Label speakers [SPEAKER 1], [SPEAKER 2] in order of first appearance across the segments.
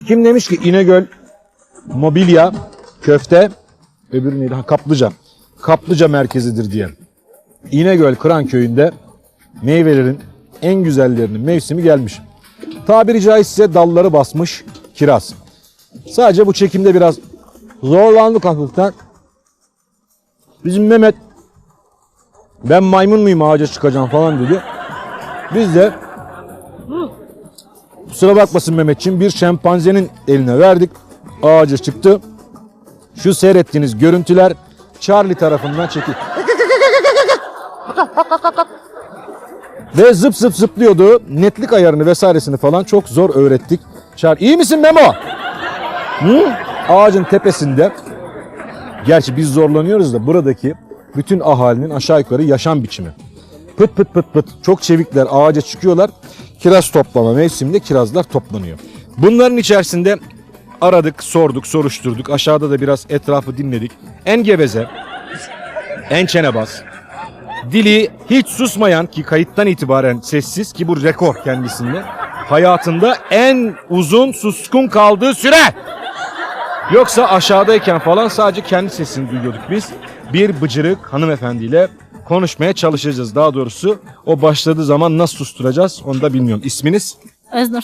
[SPEAKER 1] Kim demiş ki İnegöl mobilya, köfte, öbürü neydi? Kaplıca. Kaplıca merkezidir diye. İnegöl Kıranköy'ünde meyvelerin en güzellerinin mevsimi gelmiş. Tabiri caizse dalları basmış kiraz. Sadece bu çekimde biraz zorlandık hafiften. Bizim Mehmet ben maymun muyum ağaca çıkacağım falan dedi. Biz de kusura bakmasın Mehmetçiğim bir şempanzenin eline verdik. Ağaca çıktı. Şu seyrettiğiniz görüntüler Charlie tarafından çekildi. Ve zıp zıp zıplıyordu. Netlik ayarını vesairesini falan çok zor öğrettik. İyi misin Memo? Hı? Ağacın tepesinde. Gerçi biz zorlanıyoruz da buradaki bütün ahalinin aşağı yukarı yaşam biçimi. Pıt pıt pıt pıt çok çevikler ağaca çıkıyorlar. Kiraz toplama mevsiminde kirazlar toplanıyor. Bunların içerisinde aradık, sorduk, soruşturduk. Aşağıda da biraz etrafı dinledik. En geveze, en çenebaz, dili hiç susmayan ki kayıttan itibaren sessiz ki bu rekor kendisinde. Hayatında en uzun suskun kaldığı süre. Yoksa aşağıdayken falan sadece kendi sesini duyuyorduk biz. Bir bıcırık hanımefendiyle konuşmaya çalışacağız. Daha doğrusu o başladığı zaman nasıl susturacağız onu da bilmiyorum. İsminiz?
[SPEAKER 2] Öznur.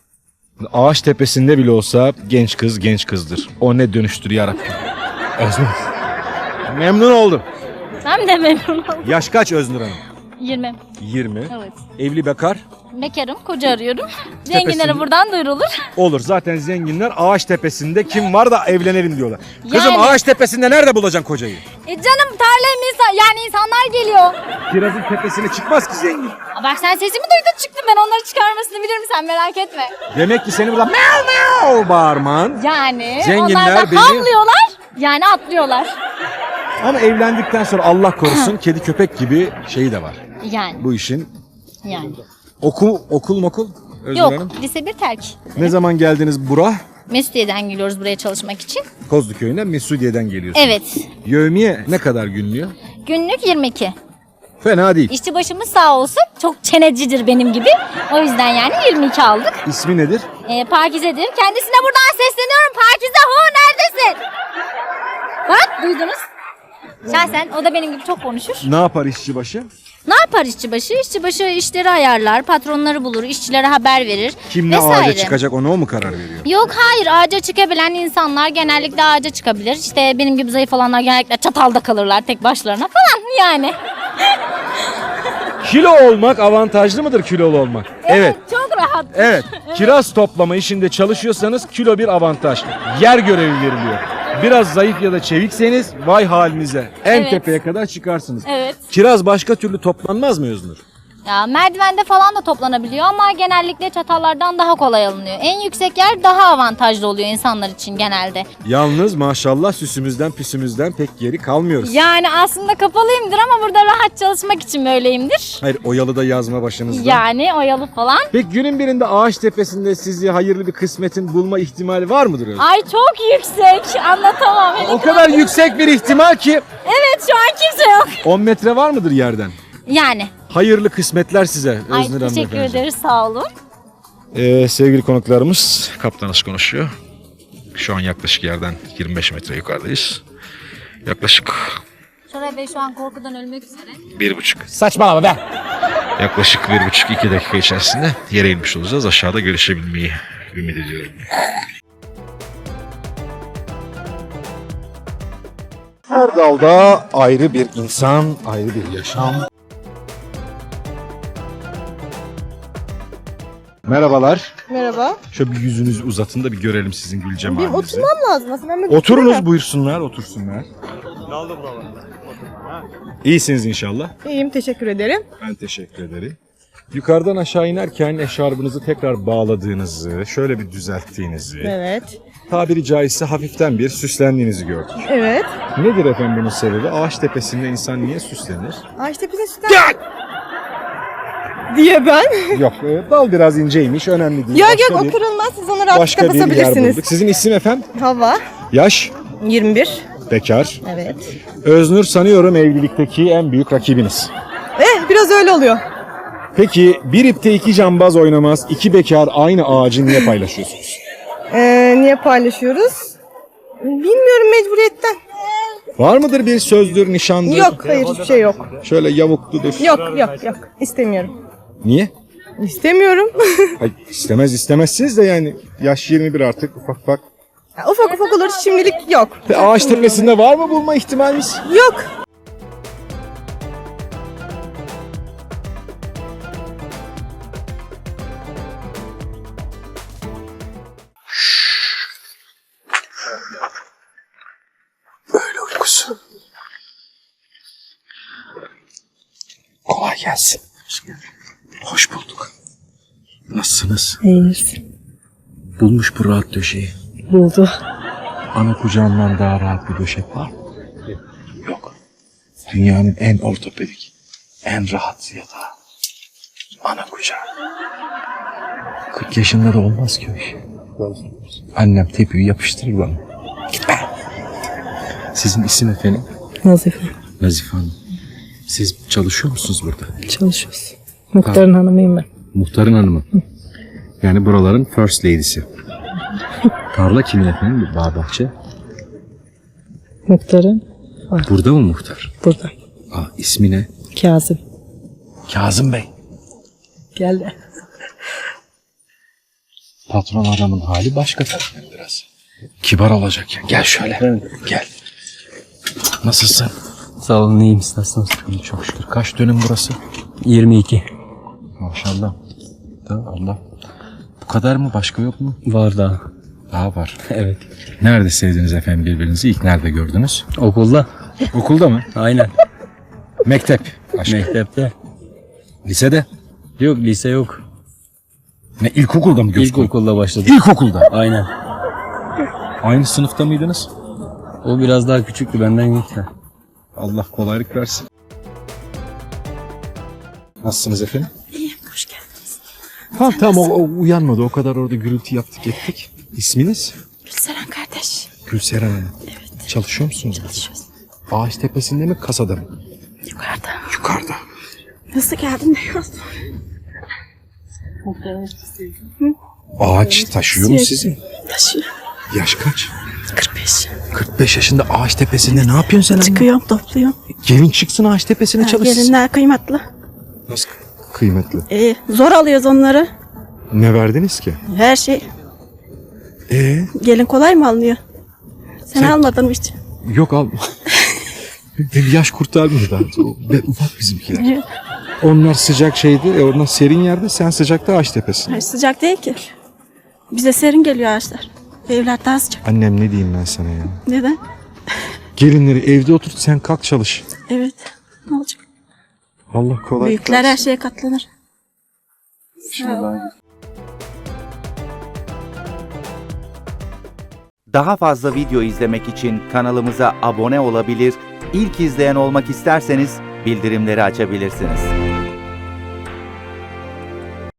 [SPEAKER 1] Ağaç tepesinde bile olsa genç kız genç kızdır. O ne dönüştür yarabbim. Öznur. Memnun oldum.
[SPEAKER 2] Ben de memnun oldum.
[SPEAKER 1] Yaş kaç Öznur Hanım?
[SPEAKER 2] 20.
[SPEAKER 1] 20.
[SPEAKER 2] Evet.
[SPEAKER 1] Evli bekar?
[SPEAKER 2] Bekarım, koca arıyorum. Zenginlere buradan duyurulur.
[SPEAKER 1] Olur. Zaten zenginler ağaç tepesinde kim var da evlenelim diyorlar. Kızım
[SPEAKER 2] Yani.
[SPEAKER 1] ağaç tepesinde nerede bulacaksın kocayı?
[SPEAKER 2] Canım tarlayım yani insanlar geliyor.
[SPEAKER 1] Kirazın tepesine çıkmaz ki zengin.
[SPEAKER 2] Bak sen sesimi duydun çıktım ben onları çıkarmasını bilirim sen merak etme.
[SPEAKER 1] Demek ki seni burada meow meow bağırman.
[SPEAKER 2] Yani
[SPEAKER 1] Zenginler
[SPEAKER 2] onlar da
[SPEAKER 1] beni-
[SPEAKER 2] havlıyorlar yani atlıyorlar.
[SPEAKER 1] Ama evlendikten sonra Allah korusun kedi köpek gibi şeyi de var.
[SPEAKER 2] Yani
[SPEAKER 1] Bu işin.
[SPEAKER 2] yani.
[SPEAKER 1] Okul mokul? Özgür
[SPEAKER 2] Yok
[SPEAKER 1] Hanım.
[SPEAKER 2] lise 1 terk.
[SPEAKER 1] Ne zaman geldiniz bura?
[SPEAKER 2] Mesudiye'den geliyoruz buraya çalışmak için.
[SPEAKER 1] Kozluköy'ünden Mesudiye'den geliyorsunuz.
[SPEAKER 2] Evet.
[SPEAKER 1] Yevmiye ne kadar günlüyor?
[SPEAKER 2] Günlük 22.
[SPEAKER 1] Fena değil.
[SPEAKER 2] İşçi başımız sağ olsun. Çok çenecidir benim gibi. O yüzden yani 22 aldık.
[SPEAKER 1] İsmi nedir?
[SPEAKER 2] Pakize'dir. Kendisine buradan sesleniyorum. Pakize hu neredesin? Bak duydunuz. Şahsen o da benim gibi çok konuşur.
[SPEAKER 1] Ne yapar işçi başı?
[SPEAKER 2] Ne yapar işçi başı? İşçi başı işleri ayarlar, patronları bulur, işçilere haber verir.
[SPEAKER 1] Kim ne
[SPEAKER 2] vesaire.
[SPEAKER 1] ağaca çıkacak ona o mu karar veriyor?
[SPEAKER 2] Yok hayır ağaca çıkabilen insanlar genellikle ağaca çıkabilir. İşte benim gibi zayıf olanlar genellikle çatalda kalırlar tek başlarına falan yani.
[SPEAKER 1] Kilo olmak avantajlı mıdır kilolu olmak? Evet.
[SPEAKER 2] Çok rahat.
[SPEAKER 1] Evet. Kiraz toplama işinde çalışıyorsanız kilo bir avantaj. Yer görevi veriliyor. Biraz zayıf ya da çevikseniz vay halinize. En
[SPEAKER 2] Evet.
[SPEAKER 1] tepeye kadar çıkarsınız.
[SPEAKER 2] Evet.
[SPEAKER 1] Kiraz başka türlü toplanmaz mı Öznur?
[SPEAKER 2] Ya merdivende falan da toplanabiliyor ama genellikle çatallardan daha kolay alınıyor. En yüksek yer daha avantajlı oluyor insanlar için genelde.
[SPEAKER 1] Yalnız maşallah süsümüzden püsümüzden pek geri kalmıyoruz.
[SPEAKER 2] Yani aslında kapalıyımdır ama burada rahat çalışmak için böyleyimdir.
[SPEAKER 1] Hayır oyalı da yazma başınızda.
[SPEAKER 2] Yani oyalı falan.
[SPEAKER 1] Peki günün birinde ağaç tepesinde sizi hayırlı bir kısmetin bulma ihtimali var mıdır Öznur?
[SPEAKER 2] Ay çok yüksek anlatamam.
[SPEAKER 1] O kadar yüksek bir ihtimal ki
[SPEAKER 2] Evet şu an kimse yok.
[SPEAKER 1] 10 metre var mıdır yerden?
[SPEAKER 2] Yani.
[SPEAKER 1] Hayırlı kısmetler size
[SPEAKER 2] Ay
[SPEAKER 1] Öznur
[SPEAKER 2] teşekkür
[SPEAKER 1] hanımefendi.
[SPEAKER 2] ederiz sağ olun.
[SPEAKER 1] Sevgili konuklarımız Kaptanız konuşuyor. Şu an yaklaşık yerden 25 metre yukarıdayız. Yaklaşık
[SPEAKER 2] Şoray Bey şu an korkudan ölmek üzere.
[SPEAKER 1] 1,5. Saçmalama be. Yaklaşık 1,5-2 dakika içerisinde yere inmiş olacağız. Aşağıda görüşebilmeyi ümit ediyorum. Her dalda ayrı bir insan, ayrı bir yaşam.
[SPEAKER 3] Merhabalar.
[SPEAKER 4] Merhaba.
[SPEAKER 1] Şöyle bir yüzünüzü uzatın da bir görelim sizin gül
[SPEAKER 4] Benim
[SPEAKER 1] cemalinizi.
[SPEAKER 4] oturmam lazım aslında. Ben böyle
[SPEAKER 1] Oturunuz buyursunlar, otursunlar. İyisiniz inşallah.
[SPEAKER 4] İyiyim teşekkür ederim.
[SPEAKER 1] Ben teşekkür ederim. Yukarıdan aşağı inerken eşarbınızı tekrar bağladığınızı, şöyle bir düzelttiğinizi,
[SPEAKER 4] Evet.
[SPEAKER 1] tabiri caizse hafiften bir süslendiğinizi gördük.
[SPEAKER 4] Evet.
[SPEAKER 1] Nedir efendim bunun sebebi? Ağaç tepesinde insan niye süslenir?
[SPEAKER 4] Ağaçta bize sütten diye ben.
[SPEAKER 1] Yok, dal biraz inceymiş, önemli değil.
[SPEAKER 4] Yok
[SPEAKER 1] Başka
[SPEAKER 4] yok
[SPEAKER 1] bir-
[SPEAKER 4] o kırılmaz. Siz onu rahat
[SPEAKER 1] Başka bir yer
[SPEAKER 4] kapatabilirsiniz.
[SPEAKER 1] bulduk. Sizin isim efendim?
[SPEAKER 4] Hava.
[SPEAKER 1] Yaş?
[SPEAKER 4] 21.
[SPEAKER 1] Bekar.
[SPEAKER 4] Evet.
[SPEAKER 1] Öznur sanıyorum evlilikteki en büyük rakibiniz.
[SPEAKER 4] Biraz öyle oluyor.
[SPEAKER 1] Peki bir ipte iki cambaz oynamaz, iki bekar aynı ağacı niye paylaşıyorsunuz?
[SPEAKER 4] Niye paylaşıyoruz? Bilmiyorum, mecburiyetten.
[SPEAKER 1] Var mıdır bir sözdür, nişandır?
[SPEAKER 4] Yok, hayır, hiçbir şey yok.
[SPEAKER 1] Şöyle yavukludur.
[SPEAKER 4] Yok. İstemiyorum.
[SPEAKER 1] Niye?
[SPEAKER 4] İstemiyorum.
[SPEAKER 1] Hayır, istemezsiniz de yani yaş 21 artık ufak.
[SPEAKER 4] Ufak olur, şimdilik yok.
[SPEAKER 1] Ağaç tepesinde var mı bulma ihtimaliniz?
[SPEAKER 4] Yok.
[SPEAKER 1] Böyle uykusu. Kolay gelsin. Hoş bulduk. Nasılsınız?
[SPEAKER 3] İyiyiz.
[SPEAKER 1] Bulmuş bu rahat döşeği.
[SPEAKER 3] Buldu.
[SPEAKER 1] Ana kucağından daha rahat bir döşek var mı? Yok. Dünyanın en ortopedik, en rahat yatağı. Ana kucağı. 40 yaşında da olmaz ki o iş. Annem tepiyi yapıştırır bana. Gitme. Sizin isim efendim?
[SPEAKER 3] Nazife.
[SPEAKER 1] Nazife Hanım. Siz çalışıyor musunuz burada?
[SPEAKER 3] Çalışıyoruz. Muhtarın hanımıyım ben.
[SPEAKER 1] Muhtarın hanımı. Yani buraların first lady'si. Tarla kimin efendim? Bağ bahçe.
[SPEAKER 3] Muhtarın
[SPEAKER 1] Burada mı muhtar?
[SPEAKER 3] burada.
[SPEAKER 1] İsmi ne?
[SPEAKER 3] Kazım.
[SPEAKER 1] Kazım Bey.
[SPEAKER 3] Geldi.
[SPEAKER 1] Patron adamın hali başka tabii biraz. Kibar olacak ya. Gel şöyle. Gel. Nasılsın?
[SPEAKER 5] Sağ olun, iyiyim, siz nasılsınız?
[SPEAKER 1] İyi çok şükür. Kaç dönüm burası?
[SPEAKER 5] 22.
[SPEAKER 1] Maşallah. Allah. Bu kadar mı? Başka yok mu?
[SPEAKER 5] Var daha.
[SPEAKER 1] Daha var.
[SPEAKER 5] Evet.
[SPEAKER 1] Nerede sevdiniz efendim birbirinizi? İlk nerede gördünüz?
[SPEAKER 5] Okulda.
[SPEAKER 1] Okulda mı?
[SPEAKER 5] Aynen.
[SPEAKER 1] Mektep. Aşkı.
[SPEAKER 5] Mektepte.
[SPEAKER 1] Lisede?
[SPEAKER 5] Yok, lise yok.
[SPEAKER 1] Ne ilkokulda mı gördünüz?
[SPEAKER 5] İlkokulda başladık.
[SPEAKER 1] İlkokulda.
[SPEAKER 5] Aynen.
[SPEAKER 1] Aynı sınıfta mıydınız?
[SPEAKER 5] O biraz daha küçüktü, benden gitti.
[SPEAKER 1] Allah kolaylık versin. Nasılsınız efendim?
[SPEAKER 6] İyiyim, hoş geldiniz.
[SPEAKER 1] Tamam o uyanmadı. O kadar orada gürültü yaptık ettik. İsminiz?
[SPEAKER 6] Gülseren kardeş.
[SPEAKER 1] Gülseren Hanım. Evet. Çalışıyor musunuz?
[SPEAKER 6] Çalışıyoruz.
[SPEAKER 1] Ağaç tepesinde mi kasada mı?
[SPEAKER 6] Yukarıda.
[SPEAKER 1] Yukarıda.
[SPEAKER 6] Nasıl geldin, ne yazdın?
[SPEAKER 1] Ağaç taşıyor mu sizi?
[SPEAKER 6] Taşıyor.
[SPEAKER 1] Yaş kaç?
[SPEAKER 6] 45.
[SPEAKER 1] 45 yaşında ağaç tepesinde ne yapıyorsun sen?
[SPEAKER 6] Çıkıyorum, topluyorum.
[SPEAKER 1] Gelin çıksın ağaç tepesine çalışsın.
[SPEAKER 6] Gelinler kıymetli.
[SPEAKER 1] Nasıl kıymetli?
[SPEAKER 6] Zor alıyoruz onları.
[SPEAKER 1] Ne verdiniz ki?
[SPEAKER 6] Her şey.
[SPEAKER 1] Gelin
[SPEAKER 6] Kolay mı alınıyor? Sen almadın mı hiç?
[SPEAKER 1] Yok al. Bir yaş kurtarmıyor daha. Ufak bizimkiler.
[SPEAKER 6] Evet.
[SPEAKER 1] Onlar sıcak şeydi. Onlar serin yerde. Sen sıcakta ağaç tepesinde.
[SPEAKER 6] Hayır, sıcak değil ki. Bize serin geliyor ağaçlar. Evler daha sıcak.
[SPEAKER 1] Annem ne diyeyim ben sana ya?
[SPEAKER 6] Neden?
[SPEAKER 1] Gelinleri evde oturt sen kalk çalış.
[SPEAKER 6] Evet. Ne olacak?
[SPEAKER 1] Allah kolay.
[SPEAKER 6] Büyükler her şeye katlanır.
[SPEAKER 7] Daha fazla video izlemek için kanalımıza abone olabilir, ilk izleyen olmak isterseniz bildirimleri açabilirsiniz.